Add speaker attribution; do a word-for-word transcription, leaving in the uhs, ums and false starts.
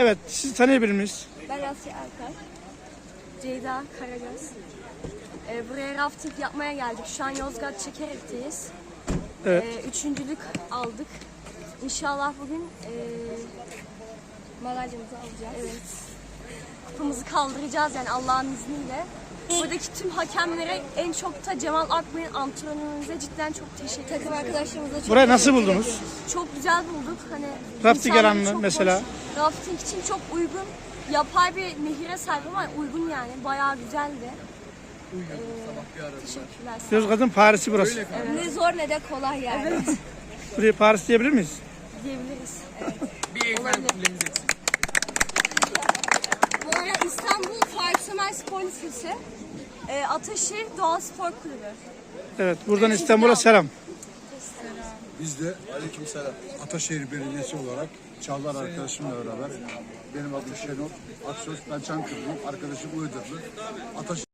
Speaker 1: Evet, sizi tanıyabilir miyiz?
Speaker 2: Ben Asya Erkay. Ceyda Karagöz. Ee, buraya rafting yapmaya geldik. Şu an Yozgat Çekerek'teyiz.
Speaker 1: Evet.
Speaker 2: Ee, üçüncülük aldık. İnşallah bugün ee, madalyamızı alacağız. Evet. Kupamızı kaldıracağız yani Allah'ın izniyle. Buradaki tüm hakemlere, en çok da Cemal Akbay'ın antrenörümüze cidden çok teşekkür ederim. Takım arkadaşlarımıza çok
Speaker 1: Burayı nasıl buldunuz?
Speaker 2: Çok güzel bulduk. Hani
Speaker 1: Rafting
Speaker 2: insanları
Speaker 1: alanı
Speaker 2: çok
Speaker 1: mesela?
Speaker 2: hoş. Rafting için çok uygun. Yapay bir nehire sahip ama uygun yani. Bayağı güzeldi. Ee, teşekkürler.
Speaker 1: Yozgat'ın Paris'i burası.
Speaker 2: Evet. Ne zor ne de kolay yani. Evet.
Speaker 1: Burayı Paris diyebilir miyiz?
Speaker 2: Diyebiliriz. Evet.
Speaker 3: Bir Eyfel Kulemiz eksik.
Speaker 2: Bu arada İstanbul Farksemer Spor Lisesi, e, Ataşehir Doğa Spor Kulübü.
Speaker 1: Evet, buradan İstanbul'a selam.
Speaker 4: Biz de aleykümselam Ataşehir Belediyesi olarak Çağlar arkadaşımla beraber, benim adım Şenol Aksöz, ben Çankırı'lıyım, arkadaşım Iğdırlı. Ataşehir